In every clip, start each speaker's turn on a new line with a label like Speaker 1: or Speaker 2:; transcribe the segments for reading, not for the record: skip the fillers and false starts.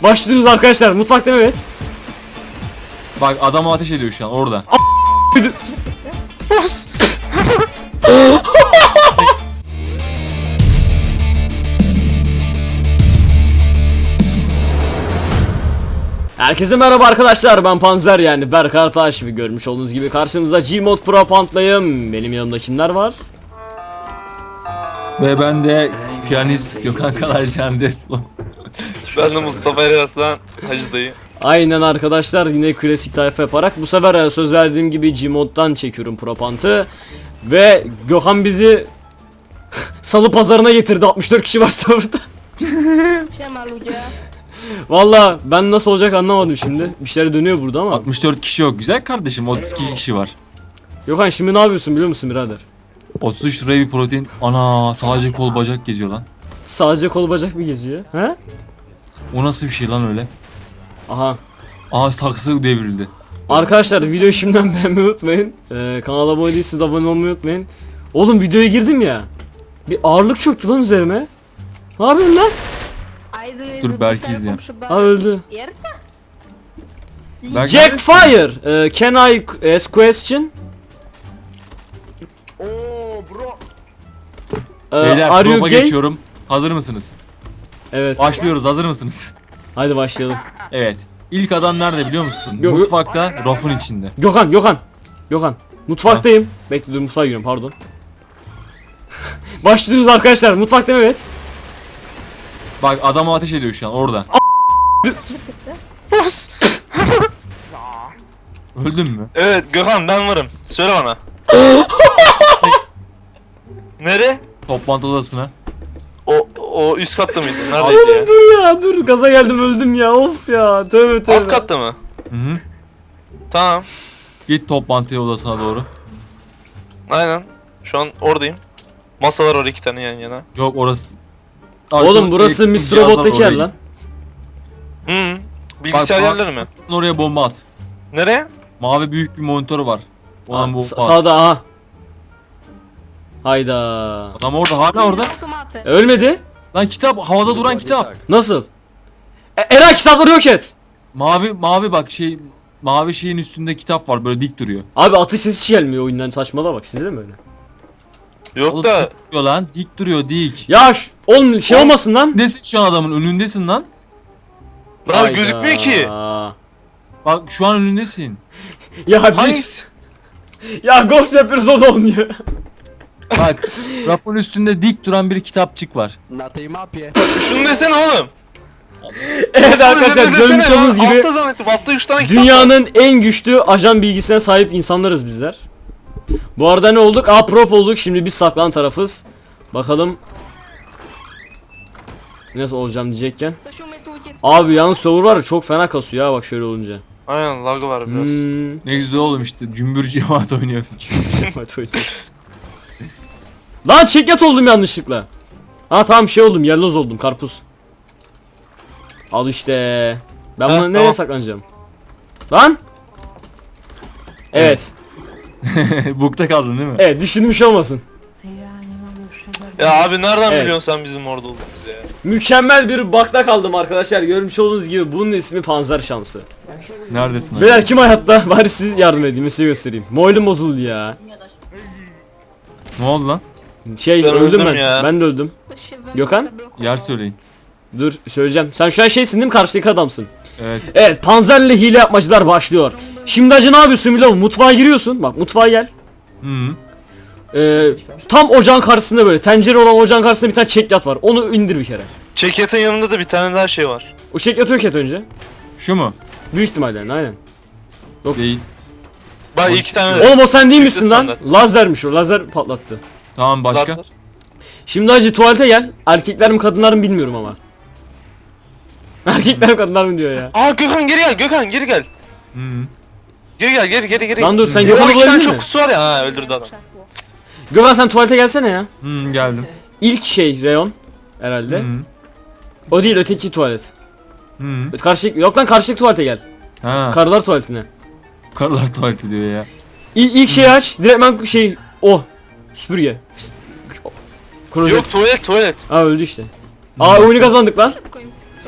Speaker 1: Başlıyoruz arkadaşlar. Mutfak değil mi? Evet.
Speaker 2: Bak adam ateş ediyor şu an orada.
Speaker 3: Bas.
Speaker 1: Herkese merhaba arkadaşlar, ben Panzer, yani Berk Artaş ve görmüş olduğunuz gibi karşınızda Gmod Pro Pant'layım. Benim yanımda kimler var?
Speaker 2: Ve ben de piyanist Gökhan Kalaycan Deadpool.
Speaker 3: Ben de Mustafa Eraslan Hacı dayı.
Speaker 1: Aynen arkadaşlar, yine klasik tayfa yaparak bu sefer söz verdiğim gibi Gmod'dan çekiyorum Pro Pant'ı. Ve Gökhan bizi Salı pazarına getirdi, 64 kişi varsa burada. Valla ben nasıl olacak anlamadım şimdi. Bir şeyler dönüyor burada ama.
Speaker 2: 64 kişi yok güzel kardeşim, 32 kişi var.
Speaker 1: Gökhan şimdi ne yapıyorsun biliyor musun birader?
Speaker 2: 33 liraya bir protein. Ana sadece kol bacak geziyor lan.
Speaker 1: Sadece kol bacak mı geziyor? He?
Speaker 2: O nasıl bir şey lan öyle?
Speaker 1: Aha.
Speaker 2: Aa saksı devrildi.
Speaker 1: Arkadaşlar videoyu şimdiden beğenmeyi unutmayın. Kanala abone değilseniz abone olmayı unutmayın. Oğlum videoya girdim ya. Bir ağırlık çöktü lan üzerime. Ne yapıyorsun lan?
Speaker 2: Dur Berk'i izleyelim.
Speaker 1: Ha öldü.
Speaker 2: Berk
Speaker 1: Jack Fire. Can I ask question?
Speaker 2: Beyler
Speaker 1: Are you
Speaker 2: proba
Speaker 1: gay?
Speaker 2: geçiyorum. Hazır mısınız?
Speaker 1: Evet.
Speaker 2: Başlıyoruz, hazır mısınız?
Speaker 1: Hadi başlayalım.
Speaker 2: Evet. İlk adam nerede biliyor musun?
Speaker 1: Yok, yok.
Speaker 2: Mutfakta, rafın içinde.
Speaker 1: Gökhan. Mutfaktayım. Bekle dur, mutfağa giriyorum, pardon. Başlıyoruz arkadaşlar. Mutfak değil mi? Evet.
Speaker 2: Bak adam ateş ediyor şu an orada.
Speaker 3: Bas.
Speaker 2: Öldün mü?
Speaker 3: Evet Gökhan, ben varım. Söyle bana. Nere?
Speaker 2: Toplantı odasına.
Speaker 3: O üst katta mıydı? Neredeydi ya?
Speaker 1: Oğlum dur ya, dur gaza geldim, öldüm ya, of ya, tövbe.
Speaker 3: Alt katta mı?
Speaker 2: Hı.
Speaker 3: Tamam.
Speaker 2: Git toplantı odasına doğru.
Speaker 3: Aynen. Şu an oradayım. Masalar var 2 tane yan yana.
Speaker 2: Yok orası.
Speaker 1: Oğlum burası
Speaker 2: Elektrik
Speaker 1: Mr. Robot
Speaker 2: cihazlar
Speaker 1: teker
Speaker 2: oraya
Speaker 1: lan.
Speaker 3: Hı. Bilgisayar
Speaker 2: Bak,
Speaker 3: yerleri mi?
Speaker 2: git. Oraya bomba at.
Speaker 3: Nereye?
Speaker 2: Mavi büyük bir monitörü var. Olan bu.
Speaker 1: Sağda, aha. Hayda.
Speaker 2: Adam orada, hala orada.
Speaker 1: Ölmedi.
Speaker 2: Lan kitap, havada duran kitap.
Speaker 1: Nasıl? Eray kitapları yok et.
Speaker 2: Mavi bak mavi şeyin üstünde kitap var, böyle dik duruyor.
Speaker 1: Abi atış sesi hiç gelmiyor oyundan, saçmalama bak, sizde de mi öyle?
Speaker 3: Yok
Speaker 2: Oğlum,
Speaker 3: da.
Speaker 2: duruyor lan, dik duruyor, dik.
Speaker 1: Ya oğlum şey
Speaker 3: Oğlum,
Speaker 1: olmasın lan.
Speaker 2: Nesin şu an, adamın önündesin lan.
Speaker 3: Lan
Speaker 1: Hayda.
Speaker 3: gözükmüyor ki.
Speaker 2: Bak şu an önündesin.
Speaker 1: Ya
Speaker 3: Hangisi?
Speaker 1: Ya ghost yapıyoruz, o da olmuyor.
Speaker 2: Bak rafın üstünde dik duran bir kitapçık var.
Speaker 4: Na tej mapie.
Speaker 3: Şunu desene oğlum.
Speaker 1: Evet arkadaşlar,
Speaker 3: Desene
Speaker 1: görmüş
Speaker 3: lan,
Speaker 1: olduğunuz gibi
Speaker 3: Altta zannettim. Altta 3 tane kitap var.
Speaker 1: dünyanın en güçlü ajan bilgisine sahip insanlarız bizler. Bu arada ne olduk? Prop olduk. Şimdi biz saklanan tarafız. Bakalım nasıl olacağım diyecekken. Abi yalnız server var ya, çok fena kasıyor ya bak şöyle olunca.
Speaker 3: Aynen, lag var biraz.
Speaker 2: Ne güzel oğlum işte, cümbür cemaat oynuyoruz.
Speaker 1: Hadi oynayalım. Lan çekyat oldum yanlışlıkla. Ha tamam, şey oldum, yelloz oldum, karpuz. Al işte. Ben
Speaker 3: Ha,
Speaker 1: bunu nereye
Speaker 3: tamam.
Speaker 1: saklanacağım? Lan. Evet.
Speaker 2: Bukta kaldın değil mi?
Speaker 1: Evet, düşünmüş olmasın.
Speaker 3: Ya abi nereden
Speaker 1: Evet.
Speaker 3: biliyorsun sen bizim orada olduğumuzu ya?
Speaker 1: Mükemmel bir bakta kaldım arkadaşlar. Görmüş olduğunuz gibi bunun ismi Panzer şansı.
Speaker 2: Neredesin? abi?
Speaker 1: Beyler kim hayatta? Bari siz yardım edin, size göstereyim. Mobilim bozuldu ya.
Speaker 2: Ne oldu lan?
Speaker 1: Şey
Speaker 3: Ben
Speaker 1: öldüm
Speaker 3: öldüm
Speaker 1: ben.
Speaker 3: ya.
Speaker 1: Ben de öldüm. Gökhan?
Speaker 2: Yer söyleyin.
Speaker 1: Dur söyleyeceğim. Sen şu an şeysin değil mi? Karşıdaki adamsın.
Speaker 2: Evet.
Speaker 1: Evet, Panzer'le hile yapmacılar başlıyor. Şimdi acı ne yapıyorsun biliyor musun? Mutfağa giriyorsun. Bak mutfağa gel.
Speaker 2: Hı.
Speaker 1: Tam ocağın karşısında, böyle tencere olan ocağın karşısında bir tane çekyat var. Onu indir bir kere.
Speaker 3: Çekyatın yanında da bir tane daha şey var.
Speaker 1: O çekyatı yok et önce.
Speaker 2: Şu mu?
Speaker 1: Büyük ihtimalle yani, aynen.
Speaker 2: Değil.
Speaker 3: Bak 2 tane de.
Speaker 1: Oğlum o sen değil
Speaker 3: Çıktı
Speaker 1: misin lan?
Speaker 3: standart.
Speaker 1: Lazermiş o. Lazer patlattı.
Speaker 2: Tamam, başka?
Speaker 3: Lazer.
Speaker 1: Şimdi acı tuvalete gel. Erkekler mi kadınlar mı bilmiyorum ama. Erkekler mi kadınlar mı diyor ya.
Speaker 3: Aa Gökhan geri gel, Gökhan geri gel.
Speaker 2: Hı.
Speaker 3: Geri gel, geri.
Speaker 1: Lan dur, sen
Speaker 3: O
Speaker 1: Gökhan'ı
Speaker 3: 2 tane
Speaker 1: bulabildin
Speaker 3: çok
Speaker 1: mi?
Speaker 3: kutusu var ya, ha öldürdü adam.
Speaker 1: Gökhan sen tuvalete gelsene ya.
Speaker 2: Hı, geldim.
Speaker 1: İlk şey reyon herhalde.
Speaker 2: Hı.
Speaker 1: O değil, öteki tuvalet.
Speaker 2: Hı.
Speaker 1: Karşıdaki, yok lan, karşıdaki tuvalete gel.
Speaker 2: Ha.
Speaker 1: Karılar tuvaletine.
Speaker 2: Karılar tuvaleti diyor ya.
Speaker 1: İlk şeyi aç. Direktmen şey o. Süpürge. Klozet.
Speaker 3: Yok tuvalet.
Speaker 1: Aa öldü işte. Aa oyunu kazandık lan.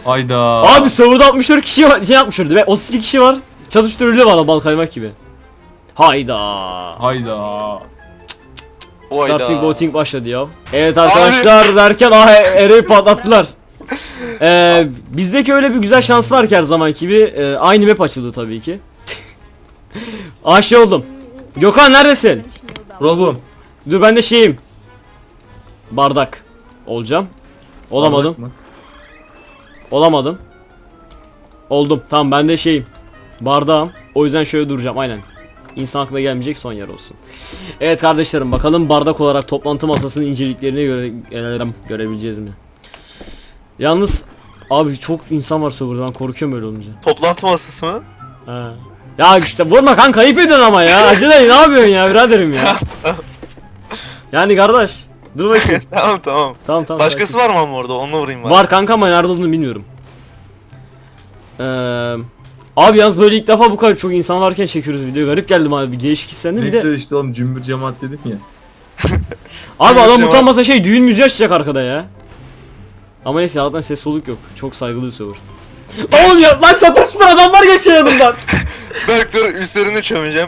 Speaker 2: Hayda.
Speaker 1: Abi serverda 64 kişi var, şey yapmışlardı ve 32 kişi var. Çalıştırılıyor valla bal kaymak gibi. Hayda.
Speaker 2: Hayda.
Speaker 3: Hayda.
Speaker 1: Starting voting başladı ya. Evet arkadaşlar derken Eray'ı patlattılar. Bizdeki öyle bir güzel şans var ki her zamanki gibi. Aynı map açıldı tabii ki. Şey oldum. Gökhan neredesin?
Speaker 2: Robum.
Speaker 1: Dur ben de şeyim. Bardak olacağım. Olamadım.
Speaker 2: Bardak mı?
Speaker 1: Olamadım. Oldum. Tamam ben de şeyim. Bardağım. O yüzden şöyle duracağım aynen. İnsan aklına gelmeyecek son yer olsun. Evet kardeşlerim bakalım bardak olarak toplantı masasının inceliklerini görebileceğiz mi? Yalnız abi çok insan var serverda, ben korkuyorum öyle olunca.
Speaker 3: Toplantı masası mı?
Speaker 1: Ha. Ya işte vurma kanka, ayıp ediyorsun ama ya. Acele ne yapıyorsun ya biraderim ya. Yani kardeş dur bakayım.
Speaker 3: Tamam.
Speaker 1: Tamam.
Speaker 3: Başkası var mı ama orada? Onunla vurayım ben.
Speaker 1: Var kanka ama nerede olduğunu bilmiyorum. Abi yalnız böyle ilk defa bu kadar çok insan varken çekiyoruz video. Garip geldi bana, bir değişik hislendim bir de.
Speaker 2: Neyse işte oğlum cümbür cemaat dedim ya.
Speaker 1: Abi adam
Speaker 3: Cemaat.
Speaker 1: utanmasa şey düğün müziği açacak arkada ya. Ama neyse Allah'tan ses soluk yok. Çok saygılı bir server. Oğlum ya lan çatışma adamlar geçiyor yanımdan.
Speaker 3: Berk dur üstlerini çömeceğim.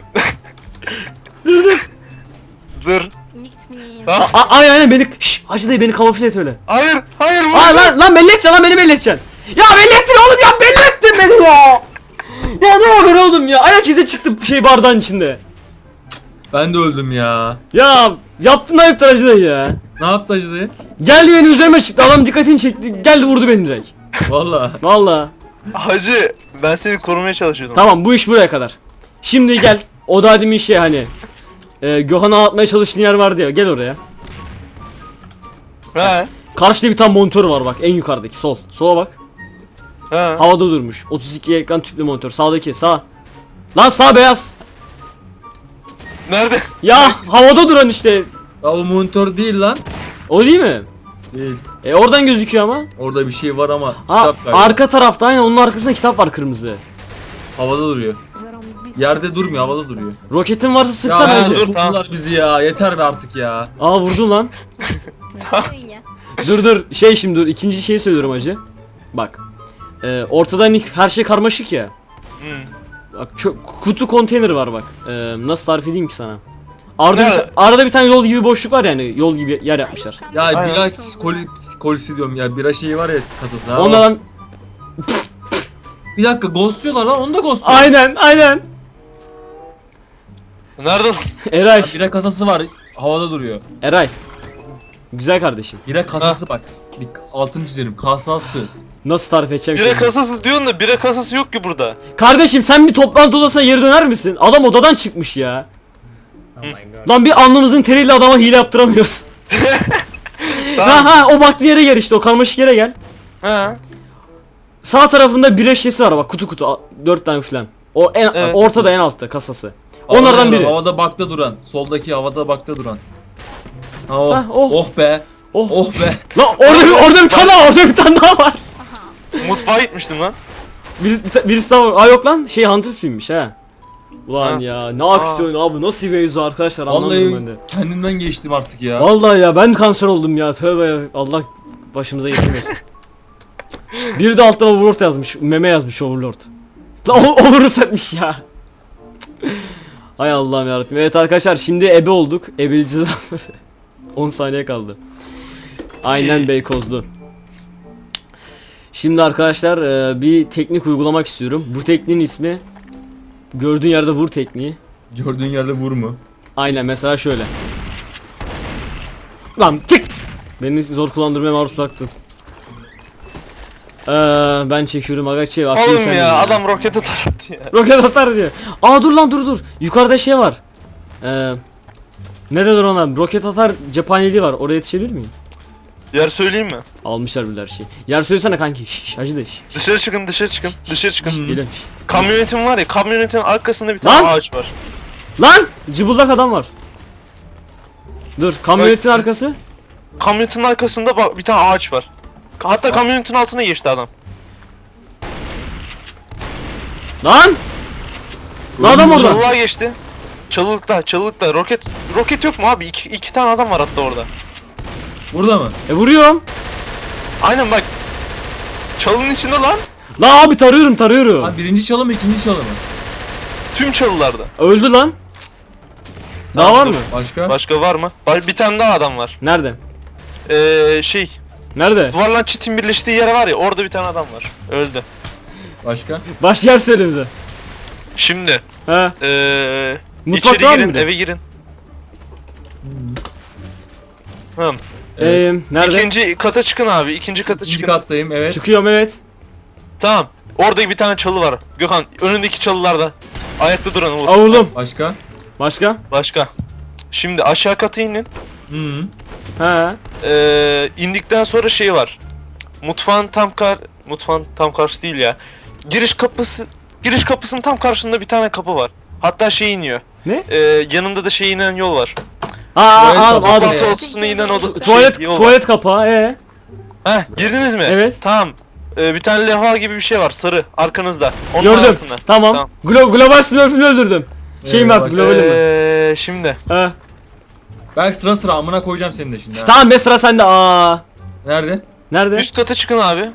Speaker 3: Dur. Tamam.
Speaker 1: Aynen beni Hacı dayı beni kamufle et öyle.
Speaker 3: Hayır
Speaker 1: Lan belli edeceksin lan, beni belli edeceksin. Ya belli ettin oğlum ya, belli ettin beni ya. Ya ne haber oğlum ya, ayak izi çıktı şey bardağın içinde.
Speaker 2: Ben de öldüm ya.
Speaker 1: Ya yaptın ayıptır Hacı dayı ya.
Speaker 2: Ne yaptı Hacı dayı?
Speaker 1: Geldi benim üzerime çıktı, adam dikkatini çekti, geldi vurdu beni direkt.
Speaker 2: Valla.
Speaker 1: Valla.
Speaker 3: Hacı ben seni korumaya çalışıyordum.
Speaker 1: Tamam bu iş buraya kadar. Şimdi gel. O da demin şey hani Gökhan'a atmaya çalıştığın yer vardı ya, gel oraya.
Speaker 3: He.
Speaker 1: Karşıda bir tane monitör var bak, en yukarıdaki sol. Sola bak.
Speaker 3: He.
Speaker 1: Havada durmuş. 32 ekran tüplü monitör. Sağdaki sağ. Lan sağ beyaz.
Speaker 3: Nerede?
Speaker 1: Ya havada duran işte.
Speaker 2: Ya o monitör değil lan.
Speaker 1: O değil mi?
Speaker 2: Değil.
Speaker 1: Oradan gözüküyor ama.
Speaker 2: Orada bir şey var ama
Speaker 1: Ha
Speaker 2: kitap galiba.
Speaker 1: arka tarafta aynen, onun arkasında kitap var kırmızı.
Speaker 2: Havada duruyor. Yerde durmuyor, havada duruyor.
Speaker 1: Roketin varsa sıksana
Speaker 2: ya
Speaker 1: Hacı.
Speaker 3: dur, tamam.
Speaker 2: vurdular bizi ya. Yeter be artık ya.
Speaker 1: Aa vurdun lan. Dur şimdi dur, ikinci şeyi söylüyorum Hacı. Bak. Ortada hani her şey karmaşık ya. Bak kutu konteyner var bak. Nasıl tarif edeyim ki sana?
Speaker 3: Nerede?
Speaker 1: Arada bir tane yol gibi boşluk var yani, yol gibi yer yapmışlar.
Speaker 2: Ya
Speaker 3: Aynen.
Speaker 2: bira kolisi diyorum ya. Bira şeyi var ya kasası. Ha,
Speaker 1: Ondan
Speaker 2: Bir dakika ghostluyorlar lan, onu da ghostluyorlar.
Speaker 1: aynen.
Speaker 3: Nerede lan?
Speaker 1: Eray.
Speaker 2: Bira kasası var, havada duruyor.
Speaker 1: Eray. Güzel kardeşim.
Speaker 2: Bira kasası bak. Altını çizelim, kasası.
Speaker 1: Nasıl tarif edeceğim
Speaker 3: Bire
Speaker 1: şimdi?
Speaker 3: kasası diyorsun da bire kasası yok ki burada.
Speaker 1: Kardeşim sen bir toplantı odasına geri döner misin? Adam odadan çıkmış ya. Lan bir alnımızın teriyle adama hile yaptıramıyoruz. Ha o baktığın yere gel işte, o karmaşık yere gel.
Speaker 3: He.
Speaker 1: Sağ tarafında bir eşyası var bak, kutu 4 tane falan. O en
Speaker 3: Evet.
Speaker 1: ortada en altta kasası.
Speaker 2: Havada
Speaker 1: Onlardan
Speaker 2: duran,
Speaker 1: biri.
Speaker 2: Havada bakta duran. Soldaki havada bakta duran. Ha, oh.
Speaker 1: Ha, oh.
Speaker 2: Oh be.
Speaker 1: Oh.
Speaker 2: Oh be.
Speaker 1: Lan orada bir tane daha, orada bir tane daha var.
Speaker 3: Mutfağa gitmiştim lan.
Speaker 1: Birisi daha var. Aa yok lan, şey Hunters filmmiş ha. Ulan
Speaker 3: Ha.
Speaker 1: ya ne aksiyon abi, nasıl bir mevzu arkadaşlar, anlamadım ben de.
Speaker 2: Vallahi kendimden geçtim artık ya.
Speaker 1: Vallahi ya ben kanser oldum ya, tövbe ya, Allah başımıza getirmesin. Biri de altta Overlord yazmış, meme yazmış Overlord. Lan Overlord etmiş ya. Hay Allah'ım yarabbim. Evet arkadaşlar şimdi ebe olduk. Ebeleyeceğiz adamları. 10 saniye kaldı. Aynen Beykozlu. Şimdi arkadaşlar bir teknik uygulamak istiyorum. Bu tekniğin ismi gördüğün yerde vur tekniği.
Speaker 2: Gördüğün yerde vurma.
Speaker 1: Aynen mesela şöyle. Lan çık! Beni zor kullandırmaya maruz bıraktın. Ben çekiyorum aga şey var.
Speaker 3: Oğlum ya adam rokete tarattı ya.
Speaker 1: Roket atar diyor. Aa dur lan dur. Yukarıda şey var. Ne denir ona? Roket atar cephaneliği var. Oraya yetişebilir miyim?
Speaker 3: Yer söyleyeyim mi?
Speaker 1: Almışlar bile her şeyi. Yer söylesene kanki. Şşş hacı da şşş.
Speaker 3: Dışarı çıkın. Dışarı çıkın.
Speaker 1: Geliyorum.
Speaker 3: Kamyonetim var ya, kamyonetin arkasında bir tane
Speaker 1: Lan!
Speaker 3: ağaç var.
Speaker 1: Lan! Cıbıldak adam var. Dur kamyonetin
Speaker 3: Bak,
Speaker 1: arkası.
Speaker 3: Kamyonetin arkasında bak bir tane ağaç var. Hatta kamyonetin altına geçti adam.
Speaker 1: Lan! Lan adam orada.
Speaker 3: Çalılığa geçti. Çalılıkta. Roket yok mu abi? İki tane adam var hatta orada.
Speaker 2: Burada mı?
Speaker 1: Vuruyorum.
Speaker 3: Aynen bak. çalının içinde lan.
Speaker 1: La abi tarıyorum.
Speaker 2: Ha, birinci çalı mı ikinci çalı mı?
Speaker 3: Tüm çalılarda.
Speaker 1: Öldü lan. Daha var
Speaker 3: dur.
Speaker 1: mı?
Speaker 2: Başka?
Speaker 3: Başka var mı? Bir tane daha adam var.
Speaker 1: Nerede?
Speaker 3: Şey,
Speaker 1: Nerede?
Speaker 3: duvarla çitin birleştiği yere var ya, orada bir tane adam var. Öldü.
Speaker 2: Başka?
Speaker 1: Baş yer söylenize.
Speaker 3: Şimdi
Speaker 1: He. Mutfak
Speaker 3: içeri
Speaker 1: var
Speaker 3: girin,
Speaker 1: mıydı?
Speaker 3: eve girin. Hı.
Speaker 1: Nerede?
Speaker 3: İkinci kata çıkın abi. İkinci kata
Speaker 2: İkinci
Speaker 3: çıkın.
Speaker 2: kattayım, evet.
Speaker 1: Çıkıyorum evet.
Speaker 3: Tamam. Orada bir tane çalı var. Gökhan, önündeki çalılarda. Ayakta duran Uğur.
Speaker 1: Avurdum.
Speaker 2: Başka?
Speaker 1: Başka?
Speaker 3: Başka. Şimdi aşağı kata inin.
Speaker 2: Hı.
Speaker 1: He.
Speaker 3: İndikten sonra şey var. Mutfağın tam karşısı değil ya. Giriş kapısının tam karşısında bir tane kapı var. Hatta şey iniyor.
Speaker 1: Ne?
Speaker 3: Yanında da şey inen yol var.
Speaker 1: Aa
Speaker 2: Tuvalet
Speaker 1: aldım.
Speaker 3: Toplantı odasına inen
Speaker 1: Tuvalet
Speaker 3: yol var.
Speaker 1: tuvalet kapağı.
Speaker 3: Heh, girdiniz mi?
Speaker 1: Evet.
Speaker 3: Tamam. Bir tane levha gibi bir şey var, sarı, arkanızda. Onun
Speaker 1: Gördüm.
Speaker 3: altında.
Speaker 1: Tamam. Global Smurf'ünü öldürdüm. Şeyim artık globalim ben.
Speaker 3: Şimdi.
Speaker 1: He.
Speaker 2: Belki sıra sıra amına koyacağım seni de şimdi. ha.
Speaker 1: Tamam be sıra sende. Aa.
Speaker 2: Nerede?
Speaker 1: Nerede?
Speaker 3: Üst kata çıkın abi.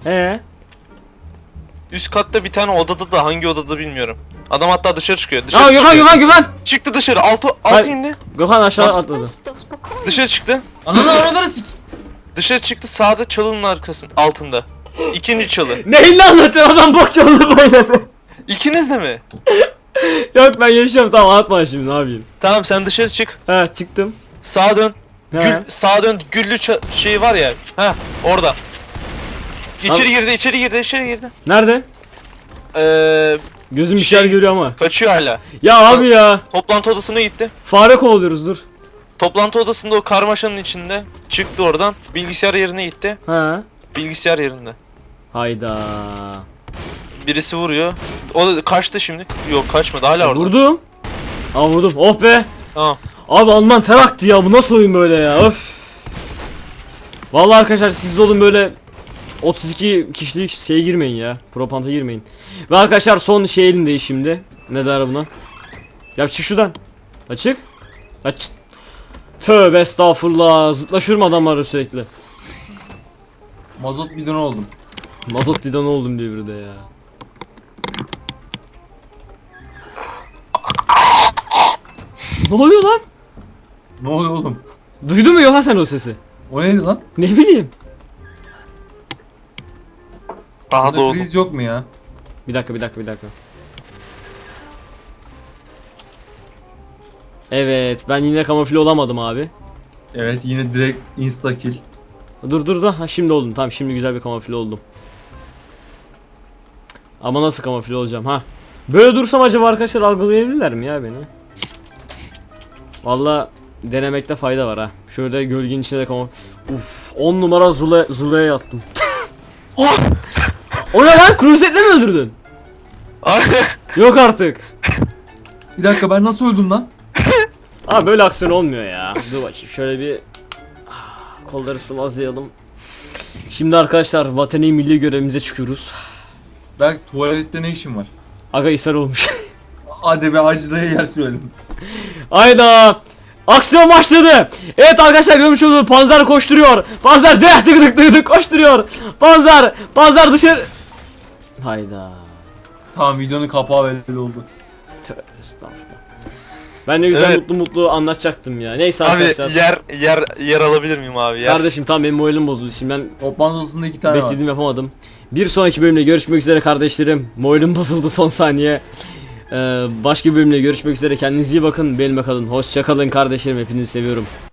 Speaker 3: Üst katta bir tane odada da, hangi odada bilmiyorum. Adam hatta dışarı çıkıyor. Dışarı
Speaker 1: Aa
Speaker 3: çıkıyor.
Speaker 1: Gökhan.
Speaker 3: Çıktı dışarı. Altı
Speaker 1: Hayır.
Speaker 3: indi.
Speaker 1: Gökhan aşağı
Speaker 3: Bas.
Speaker 1: atladı.
Speaker 3: Dışarı çıktı.
Speaker 2: Ananı araları sik.
Speaker 3: Dışarı çıktı, sağda çalının arkasında, altında. İkinci çalı.
Speaker 1: Neyle anlatıyor adam bok yolunu böyle.
Speaker 3: İkiniz de mi?
Speaker 1: Yok ben yaşıyorum tamam anlatma şimdi ne yapayım.
Speaker 3: Tamam, sen dışarı çık.
Speaker 1: He çıktım.
Speaker 3: Sağa dön.
Speaker 1: He.
Speaker 3: Sağa dön. Güllü şey var ya. Ha, orada.
Speaker 1: Tamam.
Speaker 3: İçeri girdi.
Speaker 1: Nerede?
Speaker 3: Ee,
Speaker 1: Gözüm bir
Speaker 3: Şey-
Speaker 1: şeyler görüyor ama.
Speaker 3: kaçıyor hala.
Speaker 1: Ya abi ya.
Speaker 3: Toplantı odasına gitti.
Speaker 1: Fare kovalıyoruz dur.
Speaker 3: Toplantı odasında o karmaşanın içinde. Çıktı oradan. Bilgisayar yerine gitti.
Speaker 1: He.
Speaker 3: Bilgisayar yerinde.
Speaker 1: Hayda.
Speaker 3: Birisi vuruyor. O da kaçtı şimdi. Yok, kaçmadı, hala orada.
Speaker 1: Vurdum. Aa vurdum. Oh be.
Speaker 3: Tamam.
Speaker 1: Abi Alman ter aktı ya. Bu nasıl oyun böyle ya? Öf. Vallahi arkadaşlar siz de olun böyle 32 kişilik şeye girmeyin ya. Propanta girmeyin. Ve arkadaşlar son şey elindeyiz şimdi. Ne der buna? Ya çık şuradan. Açık. Aç. Tövbe estağfurullah. Zıtlaşıyorum adamları sürekli.
Speaker 2: Mazot bidonu oldum.
Speaker 1: Mazot bidonu oldum diye bir de ya. Ne oluyor lan?
Speaker 2: Ne oluyor oğlum?
Speaker 1: Duydun mu Yohan sen o sesi?
Speaker 2: O neydi lan?
Speaker 1: Ne bileyim.
Speaker 3: Daha
Speaker 2: Burada
Speaker 3: doğdu.
Speaker 2: freeze yok mu ya?
Speaker 1: Bir dakika. Evet ben yine kamufle olamadım abi.
Speaker 2: Evet, yine direkt insta kill.
Speaker 1: Dur da ha, şimdi oldum tamam şimdi güzel bir kamufle oldum. Ama nasıl kamufle olacağım ha? Böyle dursam acaba arkadaşlar algılayabilirler mi ya beni? Valla denemekte fayda var ha. Şöyle gölgenin içine de kamufle. Uf 10 numara Zula'ya yattım. O ne lan? Klozetle mi öldürdün? Yok artık.
Speaker 2: Bir dakika, ben nasıl öldüm lan?
Speaker 1: Abi böyle aksiyon olmuyor ya. Dur bakayım şöyle bir kolları sıvazlayalım. Şimdi arkadaşlar vatani milli görevimize çıkıyoruz.
Speaker 2: Belki tuvalette ne işim var?
Speaker 1: Aga ishal olmuş.
Speaker 2: Hadi be, Hacı dayı yer söyledim.
Speaker 1: Hayda. Aksiyon başladı. Evet arkadaşlar görmüş olduğunuz Panzer koşturuyor. Panzer dık koşturuyor. Panzer dışarı. Hayda.
Speaker 2: Tamam, videonun kapağı belli oldu.
Speaker 1: Tövbe estağfurullah. Ben de güzel
Speaker 3: Evet.
Speaker 1: mutlu anlatacaktım ya. Neyse
Speaker 3: Abi
Speaker 1: arkadaşlar.
Speaker 3: yer alabilir miyim abi? Yer.
Speaker 1: Kardeşim tamam benim moralim bozuldu. Şimdi ben
Speaker 2: Toplantı odasında 2 tane
Speaker 1: beklediğim yapamadım. Bir sonraki bölümde görüşmek üzere kardeşlerim. Moralim bozuldu son saniye. Başka bir bölümde görüşmek üzere. Kendinize iyi bakın. Benimle kalın. Hoşça kalın kardeşlerim. Hepinizi seviyorum.